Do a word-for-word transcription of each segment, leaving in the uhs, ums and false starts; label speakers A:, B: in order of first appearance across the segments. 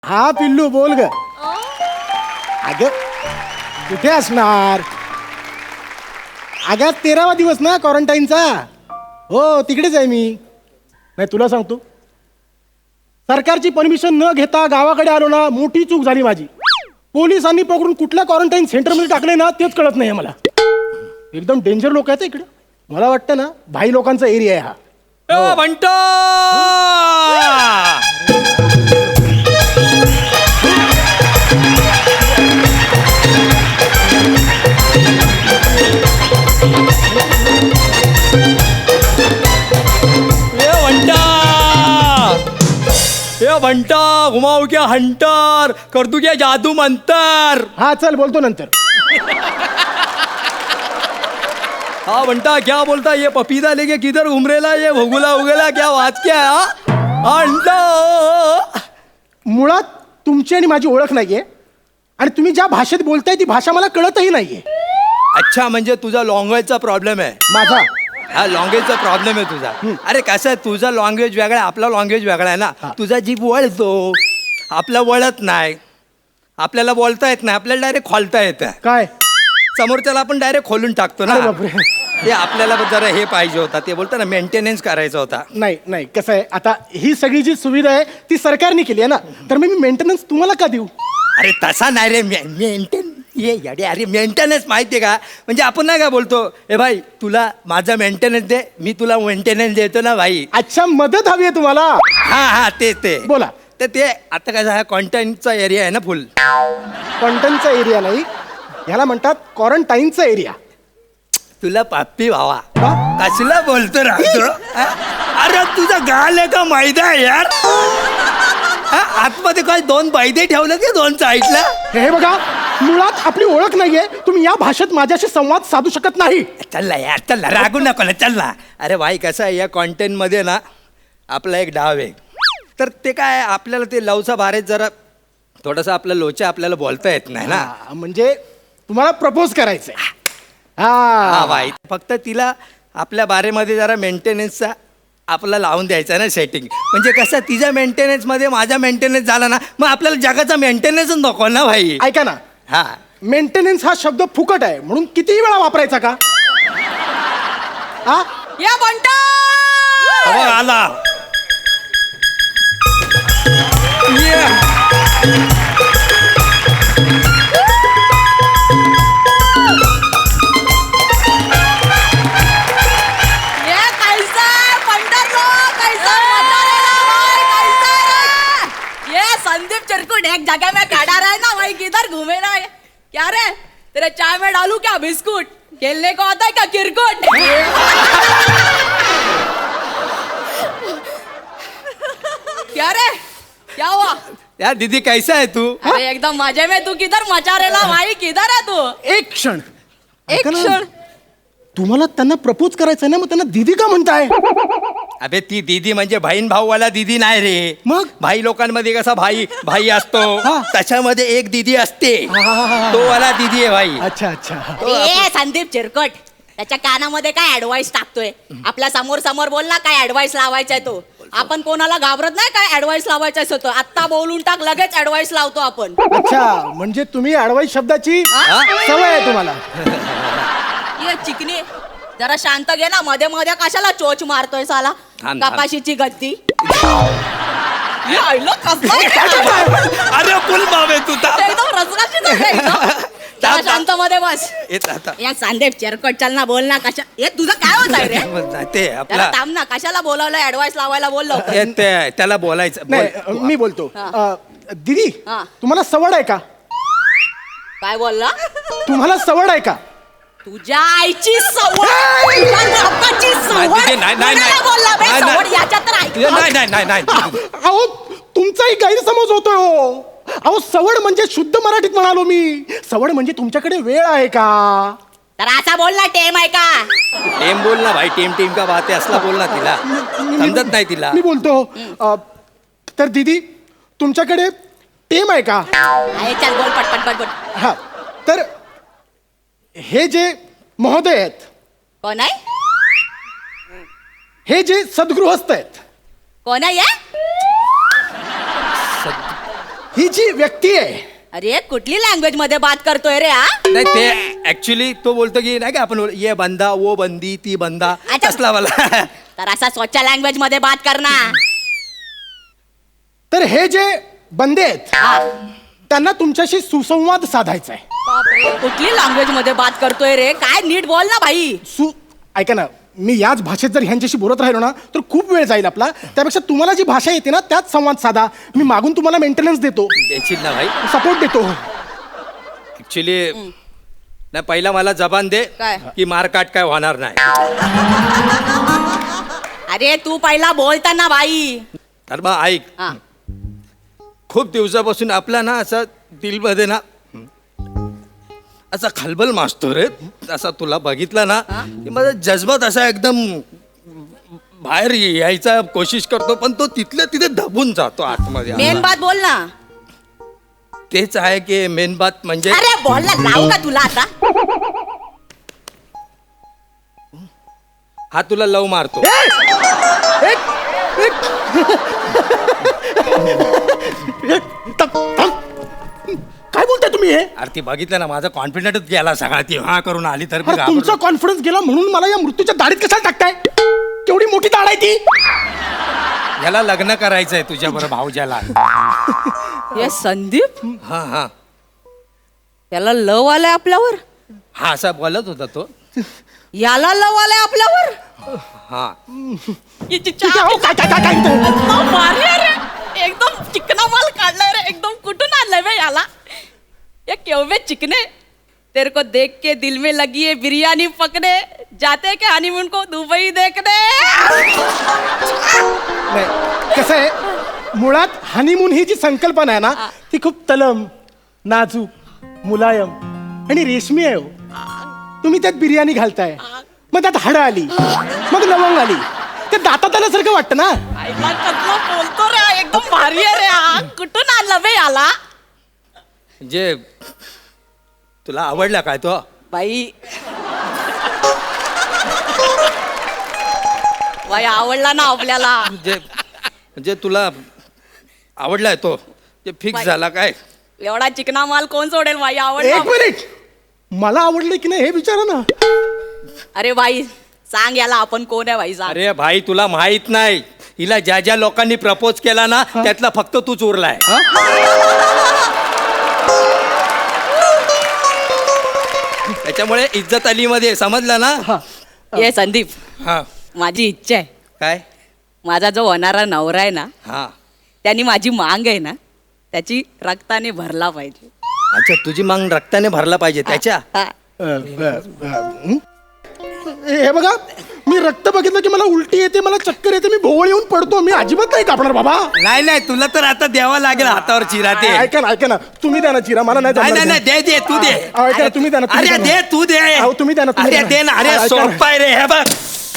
A: हा पिल्लू बोल ग. अगं कुठे असणार? अगं तेरावा दिवस ना क्वारंटाईनचा. हो तिकडेच आहे मी. नाही तुला सांगतो, सरकारची परमिशन न घेता गावाकडे आलो ना, मोठी चूक झाली माझी. पोलिसांनी पकडून कुठल्या क्वारंटाईन सेंटरमध्ये टाकले ना तेच कळत नाही मला. एकदम डेंजर लोक आहेत इकडे. मला वाटतं ना भाई लोकांचा एरिया आहे हा.
B: ए, बंटो! ए, बंटा! ए, बंटा घुमाऊ क्या हंटर कर दू क्या जादू मंतर.
A: हा चल बोलतो नंतर.
B: हाँ बंटा क्या बोलता ये पपीता लेके किधर घूम रेला ये भगुला उगला क्या वाच क्या है हाँ? अंडा
A: मुळात तुमची आणि माझी ओळख नाहीये आणि तुम्ही ज्या भाषेत बोलताय ती भाषा मला कळतही नाहीये.
B: अच्छा म्हणजे तुझा लँग्वेजचा प्रॉब्लेम आहे.
A: माझा
B: हा लँग्वेजचा प्रॉब्लेम आहे तुझा. अरे कसं आहे तुझा लँग्वेज वेगळा आहे आपला लँग्वेज वेगळा आहे ना. तुझा जीभ वळतो आपला वळत नाही. आपल्याला बोलता येत नाही आपल्याला डायरेक्ट खोलता येतं.
A: काय
B: समोरच्याला आपण डायरेक्ट खोलून टाकतो ना.
A: अरे बापरे.
B: ते आपल्याला जरा हे पाहिजे होता ते बोलतो ना मेंटेनन्स करायचा होता.
A: नाही नाही कसं आहे आता ही सगळी जी सुविधा आहे ती सरकारने केली आहे ना, तर मग मी मेंटेनन्स तुम्हाला का देऊ?
B: अरे तसा नाही रे मेंटेन ये अरे अरे मेंटेनन्स माहिती आहे का म्हणजे आपण नाही का बोलतो ए भाई तुला माझा मेंटेनन्स दे मी तुला मेंटेनन्स देतो ना भाई.
A: अच्छा मदत हवी आहे तुम्हाला?
B: हा हा ते ते
A: बोला.
B: तर ते आता कसं हा कॉन्टेंटचा एरिया आहे ना फुल.
A: कॉन्टनचा एरिया नाही, ह्याला म्हणतात क्वारंटाईनचा एरिया.
B: तुला पाप्पी भावा
A: का?
B: कसला बोलतो राहतो. अरे तुझा गाल आहे का मैदा आहे यार. हा, आतमध्ये काय दोन बैदे ठेवलं की दोन साईडला.
A: हे बघा मुळात आपली ओळख नाहीये, तुम्ही या भाषेत माझ्याशी संवाद साधू शकत नाही.
B: चल ना यार चल ना रागू नको ना चल ना. अरे भाई कसं आहे या कॉन्टेंटमध्ये ना आपला एक डाव आहे. तर ते काय आपल्याला ते लवचा बारेत जरा थोडंसं आपलं लोचा आपल्याला बोलता येत नाही ना.
A: हा, म्हणजे तुम्हाला प्रपोज करायचंय.
B: हा
A: हा
B: भाई फक्त तिला आपल्या बारेमध्ये जरा मेंटेनन्सचा आपला लावून द्यायचा ना सेटिंग. म्हणजे कसं तिच्या मेंटेनन्समध्ये माझा मेंटेनन्स झाला ना मग आपल्याला जगाचा मेंटेनन्सच नको ना भाई.
A: ऐका ना,
B: हा
A: मेंटेनन्स हा शब्द फुकट आहे म्हणून कितीही वेळा वापरायचा का? हा
C: या बंटा
B: अहो, आला ये.
C: ये कैसा है पंडरलो कैसा मजा रहा भाई कैसा है ये संदीप चिरकुट एक जगह में खड़ा रहा है ना भाई किधर घूमे ना ये? क्या रे तेरे चाय में डालू क्या बिस्कुट खेलने को आता है क्या क्रिकेट क्या रे क्या हुआ
B: यार दीदी कैसा है तू.
C: अरे एकदम मजे में तू किधर मचा रेला भाई किधर है तू
A: एक क्षण
C: एक
A: ऐका ना,
C: क्षण
A: तुम्हाला त्यांना प्रपोज करायचंय ना, मग त्यांना दीदी का म्हणताय?
B: अबे ती दीदी म्हणजे बहीण भाऊवाला दीदी नाही रे.
A: मग?
B: भाई लोकांमध्ये कसा भाई भाई असतो
A: हा.
B: त्याच्यामध्ये एक दीदी असते
A: हा, हा, हा, हा.
B: तो वाला दीदी आहे भाई.
A: अच्छा अच्छा.
C: ए संदीप चिरकट त्याच्या कानामध्ये काय ऍडवाइस टाकतोय. आपल्या समोर समोर बोल ना काय ऍडवाइस लावायचाय तो. आपण कोणाला घाबरत नाही काय ऍडवाइस लावायचा होतो. आत्ता बोलून टाक लगेच ऍडवाइस लावतो आपण.
A: अच्छा म्हणजे तुम्ही अडवाईस शब्दाची
C: हा?
A: सवय आहे तुम्हाला.
C: ये चिकनी जरा शांत घे ना मध्ये मध्ये कशाला चोच मारतोय साला.
B: थांब, थांब.
C: कपाशीची गद्दी ये आईला कसं
B: अरे फुल बाबे तू ता-
C: एकदम रसराशीच आहे एकदम. जरा
B: थांब,
C: शांत मध्ये बस.
B: येत आता
C: या संदीप चिरकट चल ना बोल ना कशा हे तुझं काय होत आहे रे.
B: ते
C: जरा
B: आपला
C: थांब ना कशाला बोलावलं ऍडवाइस लावायला बोललो
B: हे ते- त्याला बोलायचं
A: नाही
B: बोल.
A: मी बोलतो.
C: हा.
A: अ, दीदी
C: हा.
A: तुम्हाला सवड आहे का?
C: काय बोलला
A: तुम्हाला सवड आहे का?
C: तुझ्या आईची सवड तुझ्या बापाची सवड
B: नाही, नाही, नाही, नाही.
C: कोणाला बोलला बे
B: नाही, नाही.
C: सवड याच्यात तर ऐक.
B: नाही नाही नाही नाही
A: अहो तुमचाही गैरसमज होतोय हो. अहो सवड म्हणजे शुद्ध मराठीत म्हणालो मी. सवड म्हणजे तुमच्याकडे वेळ आहे का?
C: तर असा बोलला टेम आहे का.
B: टेम बोल ना भाई टेम टेम का बात आहे असला बोल ना तिला समजत नाही तिला.
A: मी बोलतो अ, तर दीदी तुमच्याकडे टेम आहे का?
C: आहे चल बोल पटपट पटपट.
A: हा तर हे जे महोदय आहेत
C: कोण आहे
A: हे जे सद्गृहस्थ आहेत
C: कोण आहे
A: ही जी व्यक्ती आहे
C: अरे कुठली लँग्वेज मध्ये बात करतोय रे हा
B: नाही ते ऍक्च्युली तो बोलतो की नाही का आपण बोल- ये बंदा वो बंदी ती बंदा
C: अच्छा.
B: असला मला
C: तर असा स्वच्छ लँग्वेज मध्ये बात कर ना
A: तर हे जे बंदे आहेत
C: हा.
A: त्यांना तुमच्याशी सुसंवाद साधायचा आहे.
C: बापरे, कुठली लँग्वेज मध्ये बात करतोय रे काय नीट बोल ना भाई
A: सु ऐका ना मी याच भाषेत जर ह्यांच्याशी बोलत राहिलो ना तर खूप वेळ जाईल आपला. त्यापेक्षा तुम्हाला जी भाषा येते ना त्यात संवाद साधा. मी मागून तुम्हाला मेंटेनन्स देतो,
B: द्यायची ना भाई
A: सपोर्ट देतो.
B: ऍक्च्युली नाही पहिला मला जबान दे
C: काय?
B: की मारकाट काय होणार नाही.
C: अरे तू पहिला बोलताना भाई
B: तर मग ऐक
C: हा
B: खूप दिवसापासून आपला ना असा दिलमध्ये ना असा खलबल मासतो रे. असा तुला बघितला ना की माझा जज्बात असा एकदम बाहेर यायचा कोशिश करतो पण तो तिथल्या तिथे दबून जातो आतमध्ये.
C: मेन बात बोल ना
B: तेच आहे की मेन बात म्हणजे
C: अरे बोल ना लावू का तुला आता
B: हा तुला लव मारतो.
A: एक- एक- थांब- थांब. काय बोलताय तुम्ही हे?
B: अरे ती बघितलं ना माझा कॉन्फिडंटच गेला सगळा. ती हा करून आली तर मी
A: अरे तुमचा
B: घाबरलो.
A: कॉन्फिडन्स गेला म्हणून मला या मृत्यूच्या दाढीत कशाला टाकताय? केवढी मोठी दाढ आहे ती.
B: याला लग्न करायचंय तुझ्या बरोबर भाऊजाला.
C: हे संदीप
B: हा हा
C: याला लव आलाय आपल्यावर
B: हा असा बोलत होता तो.
C: याला लव आलाय आपल्यावर
B: हा
C: याची
A: ठीक आहे,
C: चहा
A: अहो, काय काय काय काय इथं?
C: एकदम भारी आहे रे एकदम चिकना माल काढलाय रे एकदम कुठून आणलाय बे याला ये केवढे चिकने तेरे को देख के दिल में लगी है बिरयानी पकने जाते के हनीमून को दुबई देखने
A: नाही कसं आहे मुळात हनीमून ही जी संकल्पना आहे ना ती खूप तलम नाजूक मुलायम आणि रेशमी आहे हो. तुम्ही त्यात बिर्याणी घालताय मग त्यात हाडं आली मग लवंग आली ते दातात आल्यासारखं वाटतं ना.
C: आईला कसला बोलतो रे एकदम भारी आहे रे हा कुठून आणला बे याला
B: म्हणजे तुला आवडला काय तो.
C: बाई बाई आवडला ना आपल्याला
B: म्हणजे म्हणजे तुला आवडलाय तो जे फिक्स
C: बाई.
B: झाला काय.
C: एवढा चिकना माल कोण सोडेल बाई
A: एक
C: आवडला
A: मिनिट मला आवडलं की नाही हे विचारा ना.
C: अरे बाई सांग याला आपण कोण आहे बाई सांग
B: अरे भाई तुला माहित नाही हिला ज्या ज्या लोकांनी प्रपोज केला ना त्यातला फक्त तूच उरलाय. त्याच्यामुळे इज्जत अली मध्ये समजलं ना.
C: ये संदीप
B: हा
C: माझी इच्छा आहे
B: काय
C: माझा जो होणारा नवरा आहे ना
B: हा
C: त्यांनी माझी मांग आहे ना त्याची रक्ताने भरला पाहिजे
B: अच्छा तुझी मांग रक्ताने भरला पाहिजे त्याच्या.
C: हा.
A: अ, ब, ब, हं? हे बघा मी रक्त बघितलं की मला उलटी येते मला चक्कर येते मी भोवळ येऊन पडतो. मी अजिबात नाही कापणार बाबा.
B: नाही नाही तुला तर आता द्यावा लागेल हातावर चिरा ते.
A: ऐका ना ऐका ना तुम्ही द्या ना चिरा मला नाही
B: नाही
A: जमणार
B: नाही
A: ते.
B: नाही, दे दे तू दे.
A: अहो, ऐका ना, तुम्ही द्या ना, तुम्ही
B: अरे
A: द्या ना.
B: दे तू दे.
A: अहो, तुम्ही द्या ना, तुम्ही
B: अरे
A: द्या
B: दे
A: ना.
B: ना अरे
A: ऐका ना.
B: सोपाय रे हे बघ.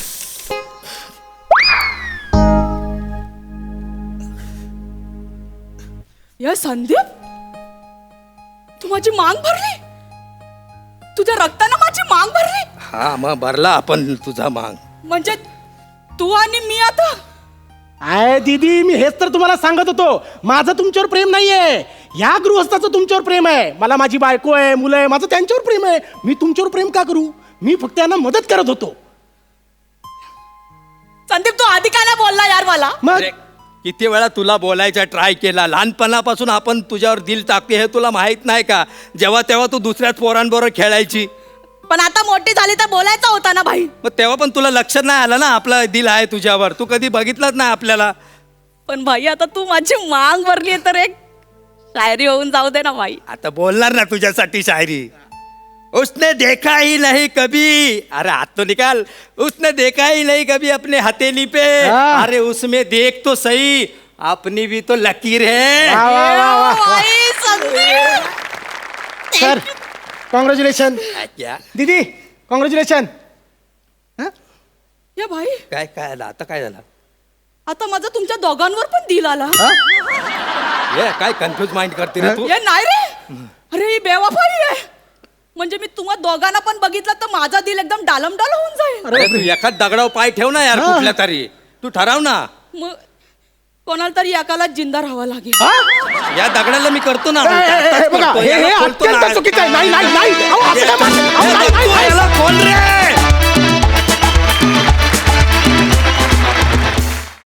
C: ये संदीप तू माझी मांग भरली तुझ्या रक्तानं माझी मांग भरली
B: हा मग भरला आपण तुझा मांग.
C: म्हणजे तू आणि मी आता
A: आय दीदी मी हेच तर तुम्हाला सांगत होतो माझं तुमच्यावर प्रेम नाहीये या गृहस्थाचं तुमच्यावर प्रेम आहे. मला माझी बायको आहे मुलं आहे माझं त्यांच्यावर प्रेम आहे. मी तुमच्यावर प्रेम का करू मी फक्त यांना मदत करत होतो.
C: संदीप तू आधी काय नाही बोलला यार मला
A: मग
B: अरे, किती वेळा तुला बोलायचा ट्राय केला. लहानपणापासून आपण तुझ्यावर दिल टाकते हे तुला माहित नाही का. जेव्हा तेव्हा तू दुसऱ्याच पोरांबरोबर खेळायची
C: पण आता मोठी झाली तर बोलायचा होता ना भाई
B: मग तेव्हा पण तुला लक्षात नाही आलं ना आपलं दिल आहे तुझ्यावर. तू कधी बघितलंच नाही आपल्याला.
C: पण भाई आता तू माझी मांग भरली तर एक शायरी होऊन जाऊ दे ना भाई
B: आता बोलणार ना तुझ्यासाठी शायरी. उसने देखा ही नहीं कभी अरे हाथ तो निकाल. उसने देखा ही नहीं कभी अपने हथेली पे
A: हाँ।
B: अरे उसमें देख तो सही अपनी भी तो लकीर है.
A: वा, वा, वा, वा, वा.
C: भाई संदीप
A: सर कॉंग्रॅच्युलेशन
B: क्या
A: दीदी कॉंग्रॅच्युलेशन.
C: या भाई
B: काय काय झालं आता काय झालं.
C: आता माझा तुमच्या दोघांवर पण दिल आला
B: ये काय कन्फ्युज माइंड करते रे तू.
C: हे नाही रे अरे ही बेवफाई आहे म्हणजे मी तुम्हा दोघांना पण बघितलं तर माझा दिल एकदम डालमडाल होऊन जाईल
B: अरे तू एखाद दगडावर पाय ठेव ना यार
A: हा.
B: कुठल्या तरी. तू ठराव ना.
C: मग कोणाला तरी एकाला जिंदा राहावं लागेल.
A: हा?
B: या दगडाला मी करतो ना
A: ए, ए, ए,
B: आताच
A: बघा,
B: करतो,
A: हे
B: याला
A: हे
B: खोलतो
A: अत्यंत
B: ना.
A: चुकीचं आहे. नाही नाही नाही अहो, असं काय म्हणता? अहो, नाही,